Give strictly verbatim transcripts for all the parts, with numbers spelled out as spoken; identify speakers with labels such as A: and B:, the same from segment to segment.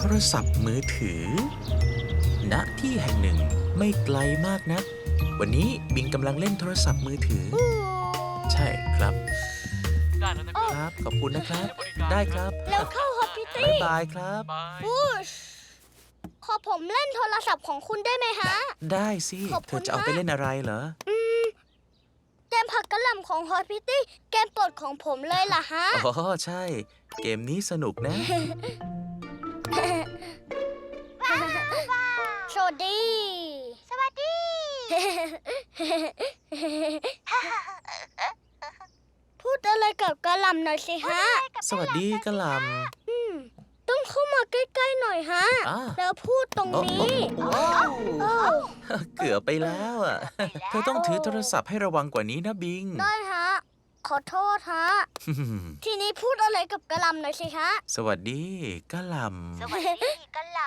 A: รศัพท์มือถือณที่แห่งหนึ่งไม่ไกลมากนักวันนี้บิงกำลังเล่นโทรศัพท์มือถือใช่ครับ
B: ได้แล้วนะค
A: ครับ รับขอบคุณนะครับได้ครับ
C: แล้วเข้าฮอปพิตี้
A: บ๊ายบายครับ
B: บาย
C: บูชขอผมเล่นโทรศัพท์ของคุณได้ไหมฮะ
A: ได้สิ
C: ขอบคุณ
A: เธอจะเอาไป
C: มาก
A: เล่นอะไรเหรอ
C: เกมผักกะหล่ำของฮอปพิตี้เกมโปรดของผมเลยล่ะฮะ
A: อ๋อใช่ เกมนี้สนุกนะ
C: สวัสดี สวัสดี พูดอะไรกับกะหล่ำหน่อยสิฮะ
A: สวัสดีกะหล่
C: ต้องเข้ามาใกล้ๆหน่อยฮะ
A: อ่า
C: แล้วพูดตรง
A: ำโอ้
C: นี้
A: โอ้โอ้
C: เออ
A: เกือบไปแล้วอ่ะ เธอต้องถือโทรศัพท์ให้ระวังกว่านี้นะบิง
C: ได้ฮะ ขอโทษฮะ ทีนี้พูดอะไรกับกะหล่ำหน่อยสิฮะ
A: สวัสดีกะหล่
C: สวัสดีกะหล่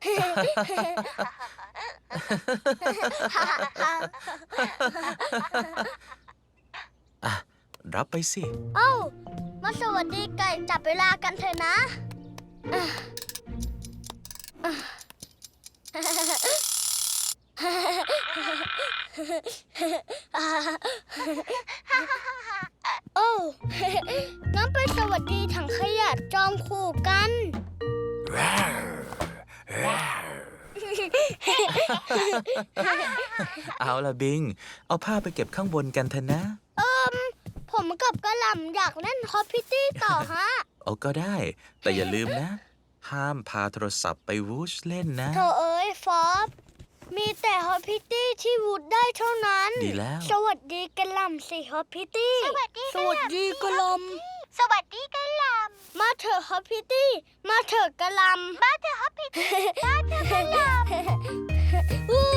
A: ำอ่ะรับไปสิ
C: ำเอ้า มาสวัสดีไก่จับเวลากันเถอะนะอ่ะอ่ะโอ้ งั้นไปสวัสดีถังขยะจอมขู่กัน
A: เอาละบิง เอาผ้าไปเก็บข้างบนกันเถอะนะ
C: เอิมผมกับกะหล่ำอยากเล่นฮอปพิตี้ต่อฮะ
A: เอาก็ได้ แต่อย่าลืมนะ ห้ามพาโทรศัพท์ไปวูชเล่นนะ
C: โถเอ้ยฟอบมีแต่ฮอปพิตี้ที่วูดได้เท่านั้น
A: ดีแล้ว
C: สวัสดีกะหล่ำสิฮอปพิตี้สวัสดี
D: สวัสดีกะหล่ำ สวัสดีกะหล่
C: มาเถอะฮอปพิตี้มาเถอะกะหล่ำ
D: ำมาเถอะฮอปปี้มาเถอะกะหล่ำ
C: วู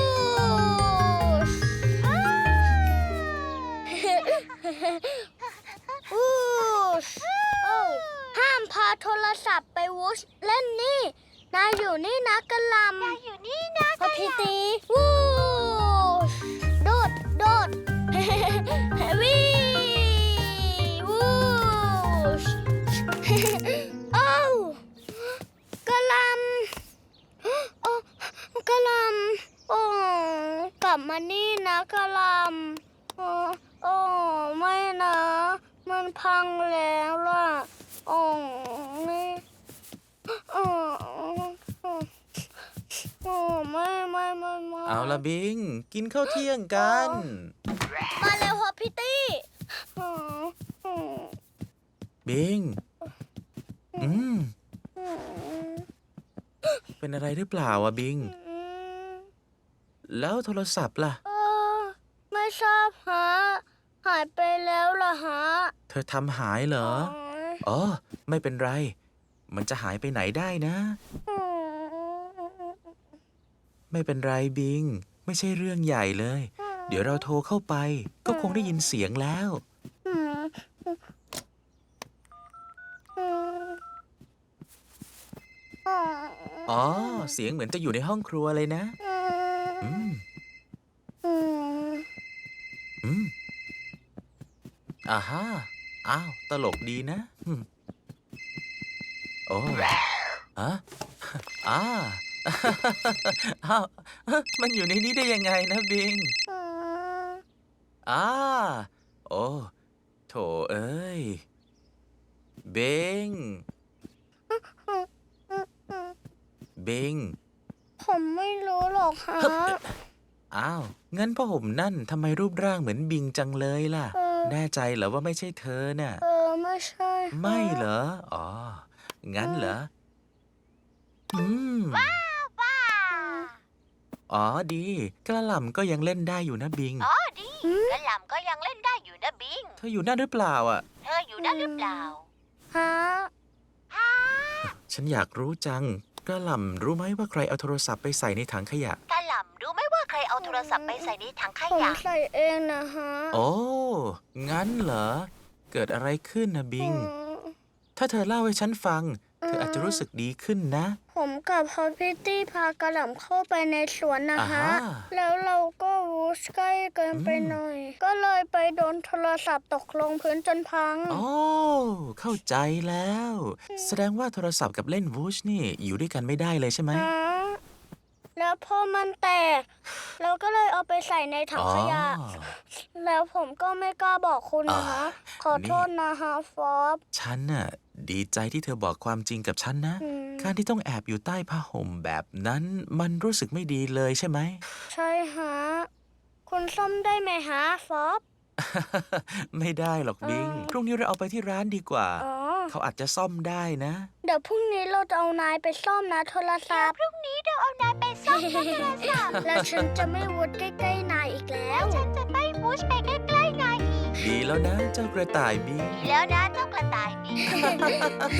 C: ชวูชโอ้ห้ามพาโทรศัพท์ไปวูชเล่นนี่ นายอยู่นี่นะกะหล่ำ
D: มาอยู่นี่นะ
C: ฮอปพิตี้วูชโดดโดด วีวูช โอ้าวกะหล่ำโอ้กะหล่ำโอ้กลับมานี่นะกะหล่ำโอ้โอ้ไม่นะ มันพังแล้วล่ะโอ้นี่โอ้โอ้ไม่ไม่ไม่ไม่
A: เอาละบิง กินข้าวเที่ยงกัน
C: มาเร็วฮอปพิตี้อืมอืม
A: บิง อืม
C: อืม
A: เป็นอะไรหรือเปล่าอะบิง
C: อืม
A: แล้วโทรศัพท์ล่ะ
C: เออไม่ทราบฮะ หายไปแล้วล่ะฮะ
A: เธอทำหายเหรอ อ๋อ ไม่เป็นไร มันจะหายไปไหนได้นะ
C: อืม
A: ไม่เป็นไรบิง ไม่ใช่เรื่องใหญ่เลย เดี๋ยวเราโทรเข้าไป ก็คงได้ยินเสียงแล้ว
C: อืมอืม
A: อ๋อ เสียงเหมือนจะอยู่ในห้องครัวเลยนะ อืม
C: อืม
A: อืมอ่าฮะอ้าว ตลกดีนะอืมโอ้อะอ่า อ้าวมันอยู่ในนี้ได้ยังไงนะบิง
C: อืม
A: อ่า โอ้ โถเอ้ย บิง บิง
C: ผมไม่รู้หรอกฮะ
A: อ้าว งั้นพ่อห่มนั่นทำไมรูปร่างเหมือนบิงจังเลยล่ะ
C: เออ
A: แน่ใจเหรอว่าไม่ใช่เธอน่ะ
C: เออไม่ใช่ฮะ
A: ไม่เหรอ อ๋อ งั้นเหรอ อืม อ๋อ ดี กระหล่ำก็ยังเล่นได้อยู่นะบิง
D: อ๋อดีกะหล่ำก็ยังเล่นได้อยู่นะบิง
A: เธออยู่นั่นหรือเปล่าอ่ะ
D: เธออยู่นั่นหรือเปล่า
C: ฮะ
A: ฉันอยากรู้จัง กระหล่ำรู้ไหมว่าใครเอาโทรศัพท์ไปใส่ในถังขยะ
D: กะหล่ำรู้ไหมว่าใครเอาโทรศัพท์ไปใส่ในถังข
C: ผม
D: ยะ
C: ใส่เองนะฮะ
A: โอ้ งั้นเหรอ เกิดอะไรขึ้นนะบิง
C: อืม
A: ถ้าเธอเล่าให้ฉันฟัง เธออจะรู้สึกดีขึ้นนะ
C: ผมกับพอพิตตี้พากระหล่ำเข้าไปในสวนนะฮะ
A: อ่าฮะ
C: แล้วเราก็วูชใกล้เกินไป
A: อืม
C: หน่อย ก็เลยไปโดนโทรศัพท์ตกลงพื้นจนพัง
A: โอ้เข้าใจแล้ว แสดงว่าโทรศัพท์กับเล่นวูชนี่อยู่ด้วยกันไม่ได้เลยใช่ไหม
C: ฮะแล้วพอมันแตก เราก็เลยเอาไปใส่ในถังขยะ
A: อ๋อ
C: แล้วผมก็ไม่กล้าบอกคุณนะฮะ
A: อ่า
C: ขอโทษนะฮะฟอบ
A: ฉันน่ะดีใจที่เธอบอกความจริงกับฉันนะ
C: อืม
A: การที่ต้องแอบอยู่ใต้ผ้าห่มแบบนั้นมันรู้สึกไม่ดีเลยใช่ไหม
C: ใช่ฮะ คุณส้มได้ไหมฮะฟอบ
A: ไม่ได้หรอกบิง
C: อ่า
A: พรุ่งนี้เราเอาไปที่ร้านดีกว่า
C: อ๋อ
A: เขาอาจจะซ่อมได้นะ
C: เดี๋ยวพรุ่งนี้เราจะเอานายไปซ่อมนะโทรศัพท์
D: พรุ่งนี้เราเอานายไปซ่อมนะโทรศัพท์
C: แล้วฉันจะไม่วุดใกล้ๆนายอีกแล้ว
D: ฉันจะไม่มูชไปใกล้ๆนายอีก
A: ดีแล้วนะเจ้ากระต่ายบิง
D: ดีแล้วนะเจ้ากระต่ายบิน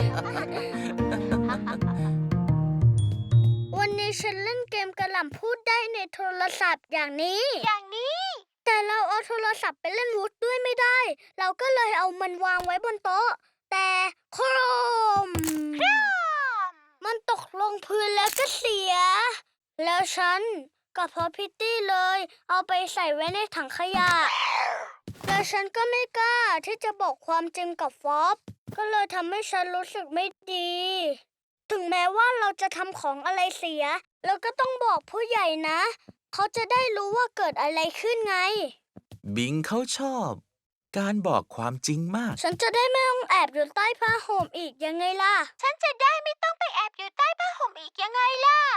C: วันนี้ฉันเล่นเกมกระหล่ำพูดได้ในโทรศัพท์อย่างนี้
D: อย่างนี้
C: แต่เราเอาโทรศัพท์ไปเล่นวูดด้วยไม่ได้ เราก็เลยเอามันวางไว้บนโต๊ะ แต่โครม มันตกลงพื้นแล้วก็เสีย แล้วฉันกับพอพิตตี้เลย เอาไปใส่ไว้ในถังขยะ แล้วฉันก็ไม่กล้าที่จะบอกความจริงกับฟอบ ก็เลยทำให้ฉันรู้สึกไม่ดี ถึงแม้ว่าเราจะทำของอะไรเสีย เราก็ต้องบอกผู้ใหญ่นะ เขาจะได้รู้ว่าเกิดอะไรขึ้นไง
A: บิงเขาชอบ การบอกความจริงมาก
C: ฉันจะได้ไม่ต้องแอบอยู่ใต้ผ้าห่มอีกยังไงล่ะ
D: ฉันจะได้ไม่ต้องไปแอบอยู่ใต้ผ้าห่มอีกยังไงล่ะ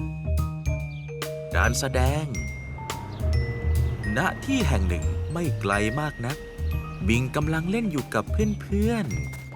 A: การแสดง ณ ที่แห่งหนึ่งไม่ไกลมากนัก บิงกำลังเล่นอยู่กับเพื่อน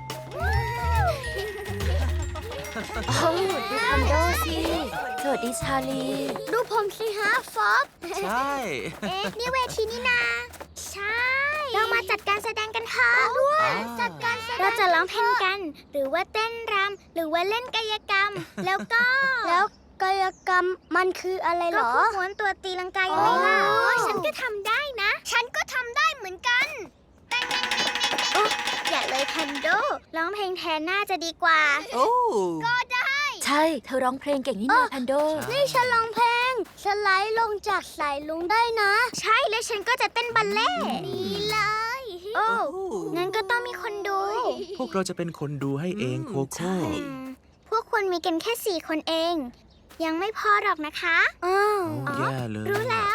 E: โอ้ดูคอนโดสิ สวัสดีชาลี
C: ดูผมสิฮะฟอบ
A: ๆ ใช่
D: เอ๊ะ นี่เวทีนี่นา ใช่ เรามาจัดการแสดงกันเถอะด้วย
A: อ่า
D: จัดการแสดงเราจะร้องเพลงกัน หรือว่าเต้นรำหรือว่าเล่นกายกรรม แล้วก็
C: แล้วกายกรรมมันคืออะไรเหร
D: ก็
C: อ
D: พวกม้วนตัวตีลังกายังไงล่ะ
C: อ๋อ
D: โอ้ยฉันก็ทำได้นะ ฉันก็ทำได้เหมือนกันโอ๊ะอย่าเลยแพนโดร้องเพลงแทนน่าจะดีกว่า
E: โอ้
D: ก็ได้
E: ใช่ เธอร้องเพลงเก่งนี่นาแพนโด
C: นี่ฉันร้องเพลงสไลด์ลงจากสายลุงได้นะ
D: ใช่แล้วฉันก็จะเต้นบัลเล่ต์ดีเลย โอ้ งั้นก็ต้องมีคนดู
A: พวกเราจะเป็นคนดูให้เองโค
E: ใช่
A: โค่
D: อืมพวกคุณมีกันแค่สี่คนเอง ยังไม่พอหรอกนะคะ
C: อ้าว
A: โอ้แย่เลย
D: รู้แล้ว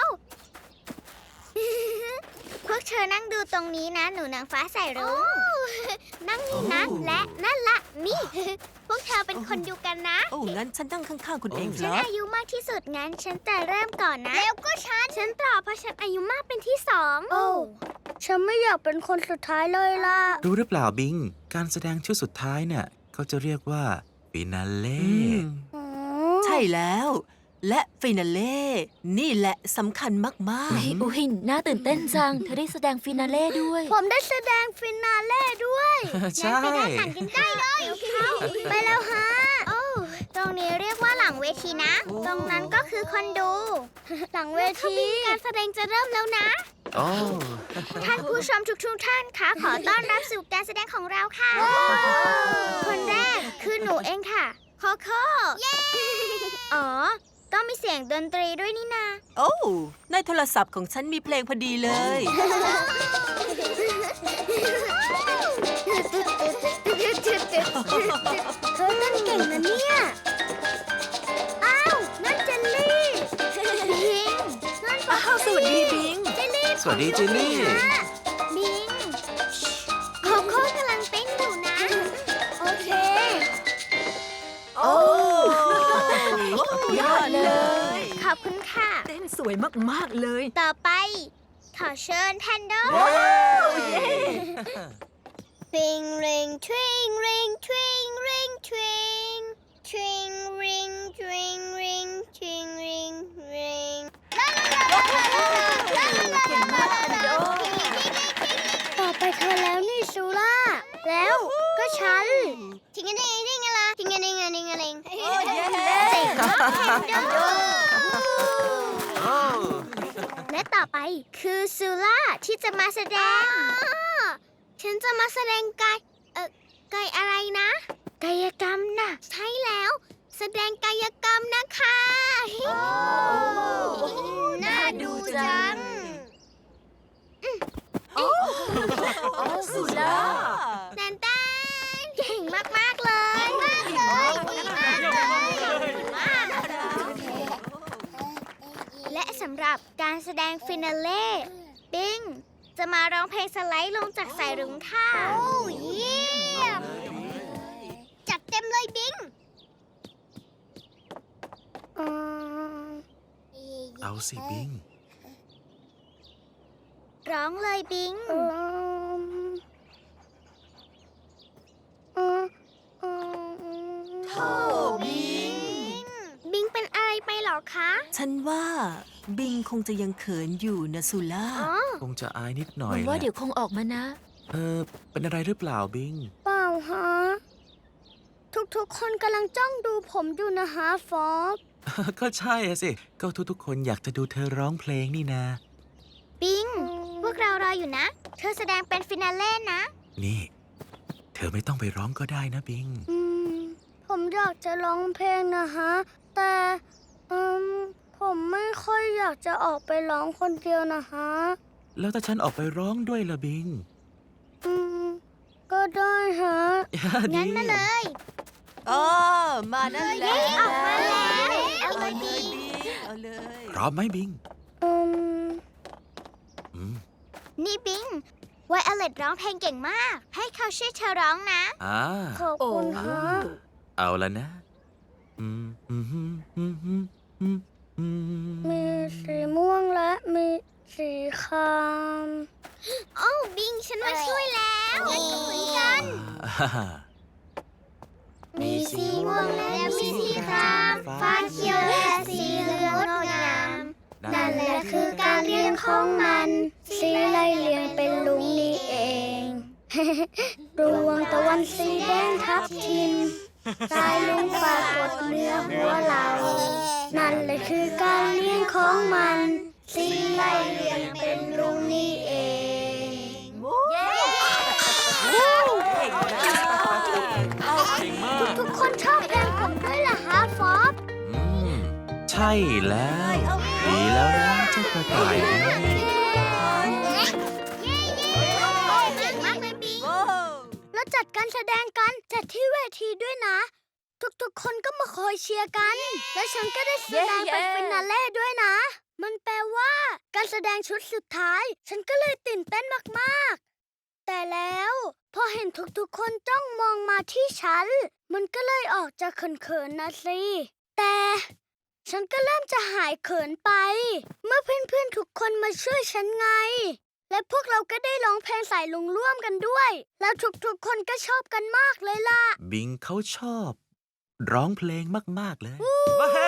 D: พวกเธอนั่งดูตรงนี้นะ หนูนางฟ้าใส่รุ้งนั่งนี่นะ
A: โอ้
D: และนั่นละนี่ พวกเธอเป็นคนดูกันนะ
E: โอ้ งั้นฉันนั่งข้างๆคุณเองค
D: ฉัน
E: รับ
D: อายุมากที่สุดงั้น ฉันจะเริ่มก่อนนะ แล้วก็ฉัน ฉันต่อเพราะฉันอายุมากเป็นที่สอง
C: โอ้ฉันไม่อยากเป็นคนสุดท้ายเลยล่ะ
A: รู้หรือเปล่าบิง การแสดงชุดสุดท้ายเนี่ยเขาจะเรียกว่าฟินาเล่
C: อ๋อ
F: ใช่แล้ว และฟินาเล่ นี่แหละสำคัญมาก
E: อุ้ยอุ้ยน่าตื่นเต้นจัง เธอได้แสดงฟินาเล่ด้วย
C: ผมได้แสดงฟินาเล่ด้วย
A: ใช่
D: ไปด้านหลังกันได้เลย
C: ไปแล้วฮะ
D: โอ้ตรงนี้เรียกว่าหลังเวทีนะ ตรงนั้นก็คือคนดู
C: หลังเวที
D: การแสดงจะเริ่มแล้วนะ
A: โอ้
D: ท่านผู้ชมทุกๆท่านคะขอต้อนรับสู่การแสดงของเราค่ะ คนแรกคือหนูเองค่ะโคโค่เย้ อ๋อ ต้องมีเสียงดนตรีด้วยนี่นา
F: ๆ โอ้ ในโทรศัพท์ของฉันมีเพลงพอดีเลย
C: เธอเต้นเก่งนะเนี่ย อ้าว นั่นเจลลี่บิงนั่นปะ
F: อ้าว สวัสดีบิง
C: เจลลี่
A: สวัสดีเจลลี่
D: บิงโคโค่กำลังเต้นอยู่นะ
C: โอเค
F: โอ้ยอดเลย
D: ขอบคุณค่ะ
F: เต้นสวยมากๆเลย
D: ต่อไป ขอเชิญแพนโด Ring ring twing ring twing ring twing twing ring twing ring twing ring ring
F: เก่งมากแพนโด
C: ต่อไปเธอแล้วนี่ซูล่า แล้วก็ฉัน
D: ทิงa ดิงดิงอะไรทิงa ดิงa ดิงa ดิง
F: เย้
D: เจ๋งมากแพนโด
A: โอ้
D: และต่อไปคือซูล่าที่จะมาแสดง ฉันจะมาแสดงกาย เอ่อกายอะไรนะกายกรรมน่ะ ใช่แล้ว แสดงกายกรรมนะคะ น่าดูจัง
E: สุล่า
D: แตนแตนเก่งมาก ๆ เลยมากเลยดีมากเลยและสำหรับการแสดงฟินาเล่ปิงจะมาร้องเพลงสไลด์ลงจากสายรุ้งค่ะ โอ้เยี่ยม จัดเต็มเลยบิง
A: เอาสิบิง
D: ร้องเลยบิง
E: โธ่บิง
D: บิงเป็นอะไรไปเหรอคะ
F: ฉันว่าบิงคงจะยังเขินอยู่นะสุล่า
D: อ๋อ
A: คงจะอายนิดหน่
E: ห
A: อ
E: วั
A: ย
E: งว่า
A: แหละ
E: เดี๋ยวคงออกมานะ
A: เออ เป็นอะไรหรือเปล่าบิง
C: เปล่าฮะ ทุกๆคนกำลังจ้องดูผมอยู่นะฮะฟอบ
A: ก็ใช่อะสิ ก็ทุกๆคนอยากจะดูเธอร้องเพลงนี่นา
D: บิง พวกเรารออยู่นะ เธอแสดงเป็นฟินาเล่นะ
A: นี่ เธอไม่ต้องไปร้องก็ได้นะบิง
C: อืม ผมอยากจะร้องเพลงนะฮะ แต่อืมผมไม่ค่อยอยากจะออกไปร้องคนเดียวนะฮะ
A: แล้วถ้าฉันออกไปร้องด้วยล่ะบิง
C: อืม ก็ได้ฮะ
D: งั้นมาเลย
F: เออ มานั่นแหละ
D: ออกมาแล้ว
F: เอา
D: เอา
F: เล
D: เลย ย
F: บิงเอาเลย
A: พร้อมไหมบิง
C: อืม
A: อืม
D: นี่บิง ไวโอเลตร้องเพลงเก่งมาก ให้เขาช่วยเธอร้องนะ
A: อ่า
C: ขอบคุณฮะ
A: เอาละนะ อืมอืมอืมอืมอืมอืมอืม
C: มีสีม่วงและมีสีคราม
D: โอ้บิง ฉันมาช่วยแล้วงั้นก็เหมือนกัน
A: อ่า
D: มีสีม่วงและมีสีครามฟ้าเขียวและสีเหลืองงดงาม นั่นแหละคือการเรียงของมัน
C: สีไล่เลียงเป็นลุงนี่เอง ดวงตะวันสีแดงทับทิมสายลุงปรากฏเนื้อหัวเรา นั่นแหละคือการเลี้ยงของมัน สีไล่เลียงเป็นลุงนี่เอง ทุกๆคนชอบเพลงผมด้วยล่ะฮะฟอบ
A: อืม ใช่แล้ว ดีแล้วนะเจ้ากระต่ายนะ
D: เก่งมากเลยบิง
C: แล้วจัดการแสดงกันจัดที่เวทีด้วยนะ ทุกๆคนก็มาคอยเชียร์กัน และฉันก็ได้แสดงเป็น
E: เย้
C: ฟินาเล่ด้วยนะ มันแปลว่าการแสดงชุดสุดท้าย ฉันก็เลยตื่นเต้นมากๆ แต่แล้วพอเห็นทุกๆคนจ้องมองมาที่ฉัน มันก็เลยออกจะเขินๆนะสิ แต่ฉันก็เริ่มจะหายเขินไป เมื่อเพื่อนๆทุกคนมาช่วยฉันไง และพวกเราก็ได้ร้องเพลงสายลุงร่วมกันด้วย แล้วทุกๆคนก็ชอบกันมากเลยล่ะ
A: บิงเขาชอบ ร้องเพลงมาก ๆ เลย
F: ว้า